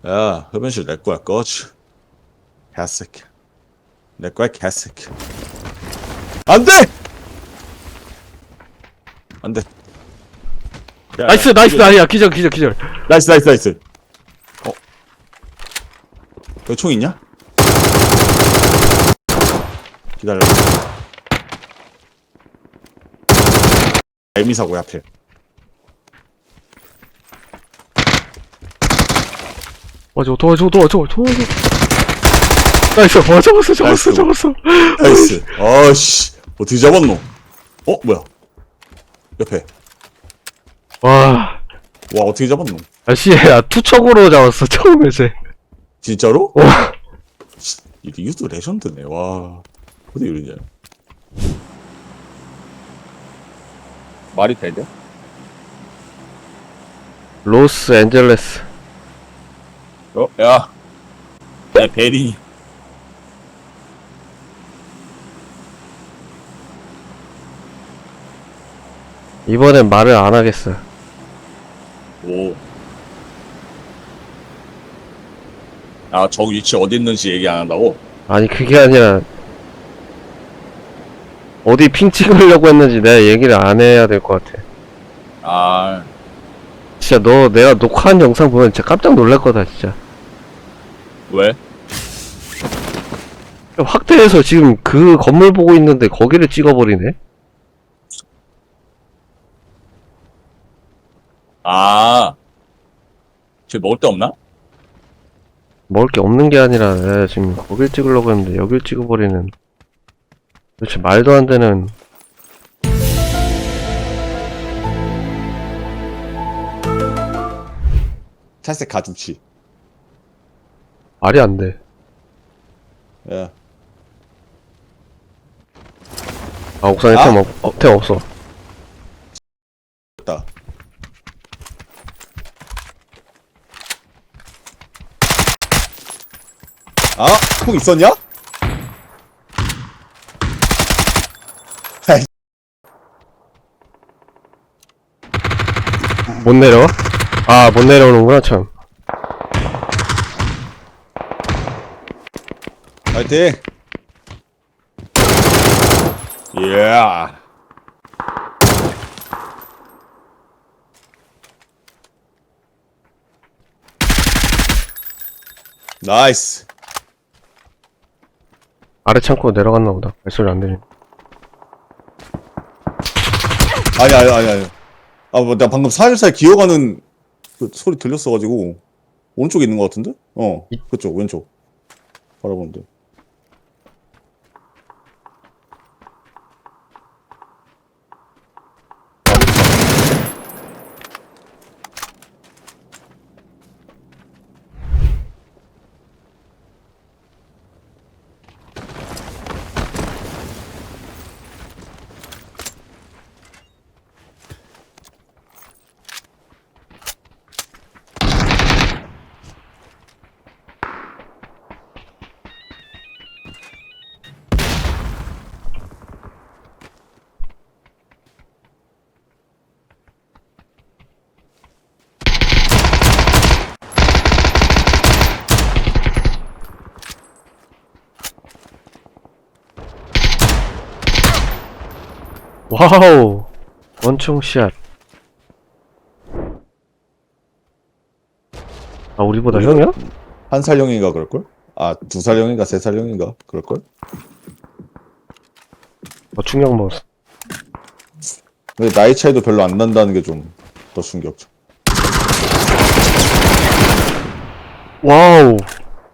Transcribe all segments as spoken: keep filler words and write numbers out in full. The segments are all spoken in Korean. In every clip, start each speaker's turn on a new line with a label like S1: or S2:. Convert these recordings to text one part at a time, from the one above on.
S1: 야, 흡연실 내 거야, 꺼져. 개새끼. 내 거야, 개새끼. 안 돼! 안 돼. 야, 야,
S2: 나이스 나이스
S1: 이게-
S2: 아니야 기절 기절 기절.
S1: 나이스, 나이스, 나이스. 어? 여기 총 있냐? 기다려. 애미사고야, 앞에.
S2: 맞아 도와줘 도와줘 도와줘. 나이스 와 잡았어 잡았어
S1: 나이스.
S2: 잡았어.
S1: 나이스. 어씨. 어떻게 잡았노? 어, 뭐야? 옆에.
S2: 와
S1: 와, 어떻게 잡았노?
S2: 아씨 야 투척으로 잡았어 처음에 쟤.
S1: 진짜로?
S2: 와
S1: 이 리우스 레전드네. 와. 어디 이러냐. 말이 되냐?
S2: 로스앤젤레스.
S1: 어? 야. 야, 베리.
S2: 이번엔 말을 안 하겠어.
S1: 오. 아, 저 위치 어디 있는지 얘기 안 한다고?
S2: 아니 그게 아니라 어디 핑 찍으려고 했는지 내가 얘기를 안 해야 될 것 같아.
S1: 아,
S2: 진짜 너 내가 녹화한 영상 보면 진짜 깜짝 놀랄 거다 진짜.
S1: 왜?
S2: 확대해서 지금 그 건물 보고 있는데 거기를 찍어버리네.
S1: 아, 쟤 먹을 데 없나?
S2: 먹을 게 없는 게 아니라 내가 지금 거길 찍으려고 했는데 여길 찍어버리는 도대체 말도 안 되는.
S1: 탈색 가중치.
S2: 말이 안 돼.
S1: 야.
S2: 아 옥상에
S1: 아?
S2: 템, 없, 어, 템 없어.
S1: 됐다. 아, 총 있었냐? 아이,
S2: 못 내려? 아 못 내려오는구나 참.
S1: 파이팅! 예. 나이스.
S2: 아래 창고 내려갔나 보다. 발소리 안 들리.
S1: 아니, 아니, 아니, 아니. 아, 뭐, 나 방금 살살 기어가는 그 소리 들렸어가지고. 오른쪽에 있는 것 같은데? 어, 그쪽, 왼쪽. 바라보는데.
S2: 와우 원총샷. 아 우리보다
S1: 우리가-
S2: 형이야?
S1: 한 살형인가 그럴걸? 아, 두 살형인가 세 살형인가 그럴걸?
S2: 어 충격 먹었어.
S1: 근데 나이 차이도 별로 안 난다는 게 좀 더 충격적.
S2: 와우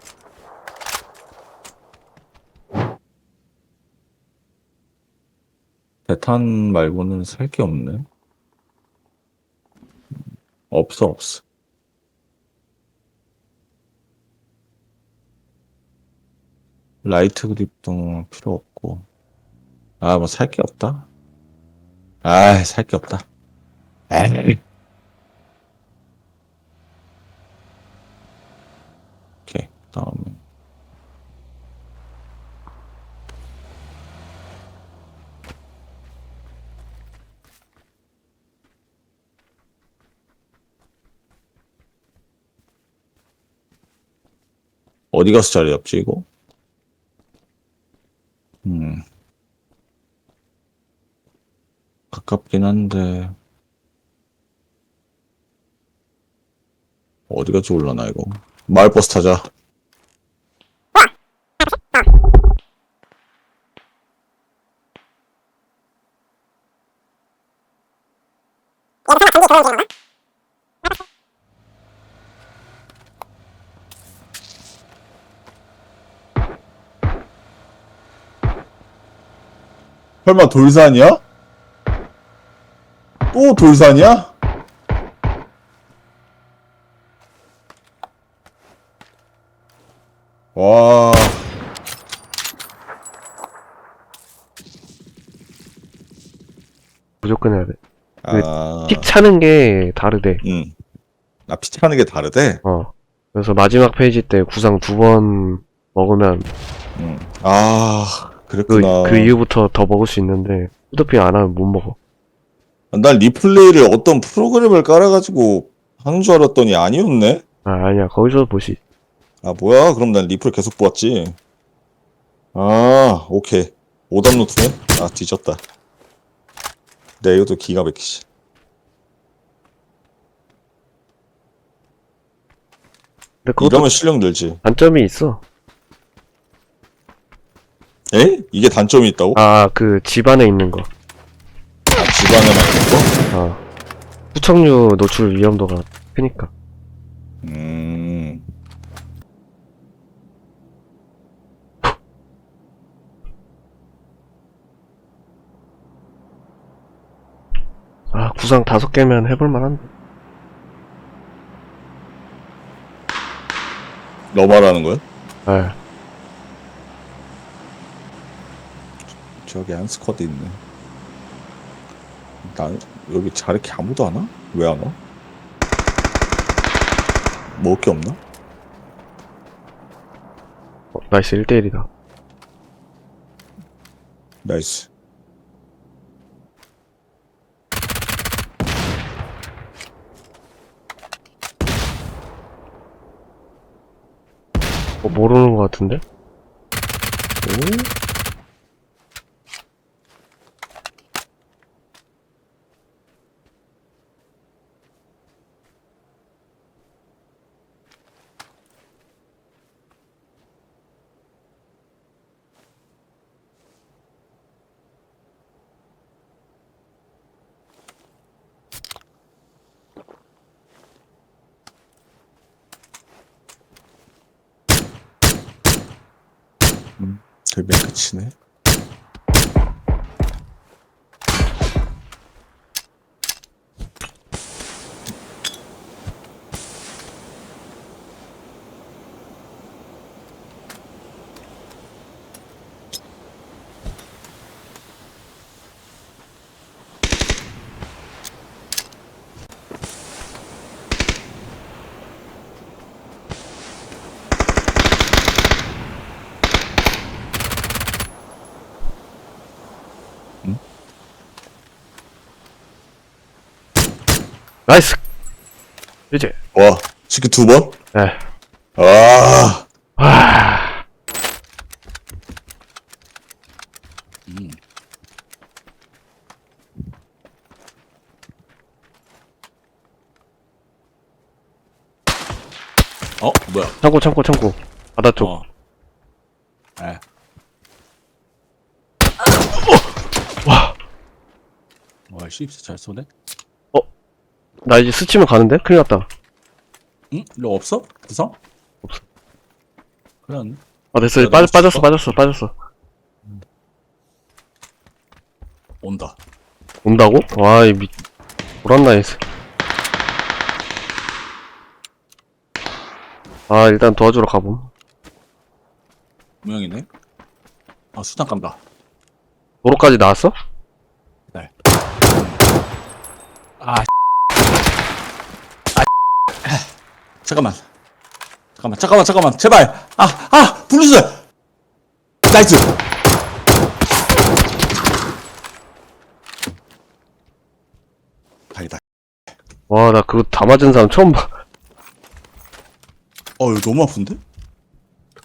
S1: 대탄 말고는 살 게 없네. 없어, 없어. 라이트 그립도 필요 없고. 아, 뭐 살 게 없다. 아, 살 게 없다. 에이. 오케이, 다음에. 어디 가서 자리 잡지, 이거? 음. 가깝긴 한데. 어디가 좋을라나, 이거? 마을버스 타자. 설마 돌산이야? 또 돌산이야? 와.
S2: 무조건 해야 돼.
S1: 아.
S2: 픽 차는 게 다르대.
S1: 응. 아, 피차는 게 다르대?
S2: 어. 그래서 마지막 페이지 때 구상 두 번 먹으면
S1: 응. 아,
S2: 그,
S1: 그랬구나.
S2: 그 이후부터 더 먹을 수 있는데 후드핑 안 하면 못 먹어.
S1: 난 리플레이를 어떤 프로그램을 깔아가지고 하는 줄 알았더니 아니었네?
S2: 아, 아니야. 거기서 보시.
S1: 아, 뭐야? 그럼 난 리플 계속 보았지. 아, 오케이. 오답 노트네? 아, 뒤졌다. 네, 이것도 기가 막히지.
S2: 근데 그것도
S1: 이러면 실력 늘지.
S2: 단점이 있어.
S1: 에? 이게 단점이 있다고?
S2: 아, 그 집안에 있는 거.
S1: 아, 집안에만 있는 거?
S2: 어. 후청류 노출 위험도가 크니까.
S1: 음.
S2: 아, 구상 다섯 개면 해볼 만한데.
S1: 너 말하는 거야?
S2: 아,
S1: 저기 한 스쿼드 있네. 난 여기 자르키 아무도 안 와? 왜 안 와? 먹을 게 없나?
S2: 어, 나이스 일 대일이다.
S1: 나이스.
S2: 어, 모르는 것 같은데?
S1: 오? 음, 절벽 끝이네.
S2: 나이스! 이제,
S1: 와, 치킨 두 번?
S2: 에.
S1: 아,
S2: 와,
S3: 어? 뭐야?
S2: 창고, 창고, 창고. 바다 쪽.
S3: 어. 에.
S2: 와,
S3: 와, 씹스 잘 쏘네?
S2: 나 이제 스치면 가는데? 큰일 났다.
S3: 응? 너 없어? 구성?
S2: 없어.
S3: 그래, 안
S2: 아, 됐어.
S3: 내가
S2: 빠,
S3: 너무
S2: 빠졌어,
S3: 쳤어?
S2: 빠졌어, 빠졌어.
S3: 온다.
S2: 온다고? 와, 이 미, 돌았나이스. 아, 일단 도와주러 가봄.
S3: 모양이네? 아, 수탄 깐다.
S2: 도로까지 나왔어?
S3: 네. 아, 아, 잠깐만. 잠깐만, 잠깐만, 잠깐만. 제발! 아, 아! 블루스! 나이스! 다행이다.
S2: 와, 나 그거 다 맞은 사람 처음 봐.
S1: 어, 이거 너무 아픈데?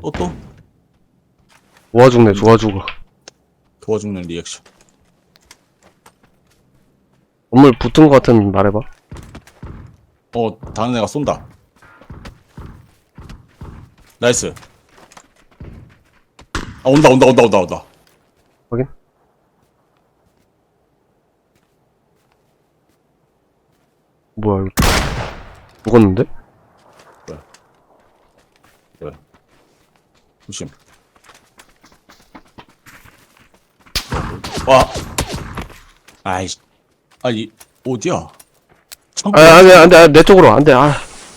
S3: 또, 또?
S2: 좋아 죽네, 좋아 죽어.
S3: 도와 죽는 리액션.
S2: 건물 붙은 거 같으면 말해봐.
S3: 어, 다른 애가 쏜다. 나이스. 아, 온다, 온다, 온다, 온다, 온다.
S2: 확인. 뭐야, 이거. 죽었는데?
S3: 그래. 조심. 와. 아이씨. 아니, 어디야? 창고.
S2: 아, 안 돼, 안 돼, 안 돼, 내 쪽으로, 안 돼, 아.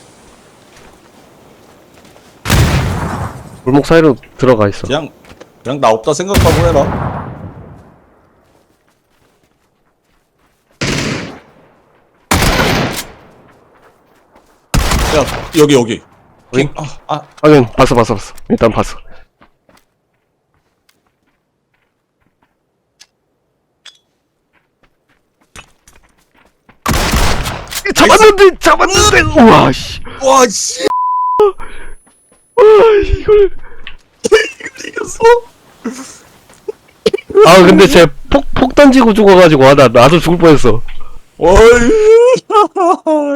S2: 골목 사이로 들어가 있어.
S3: 그냥, 그냥 나 없다 생각하고 해라. 야, 여기, 여기.
S2: 여기?
S3: 아, 아,
S2: 확인, 봤어, 봤어, 봤어. 일단 봤어. 잡았는데, 잡았는데, 우와, 씨.
S3: 와, 씨.
S2: 와, 이걸.
S3: 이걸 이겼어?
S2: 아, 근데 쟤 폭, 폭 던지고 죽어가지고, 아, 나, 나도 죽을 뻔했어.
S3: 어이.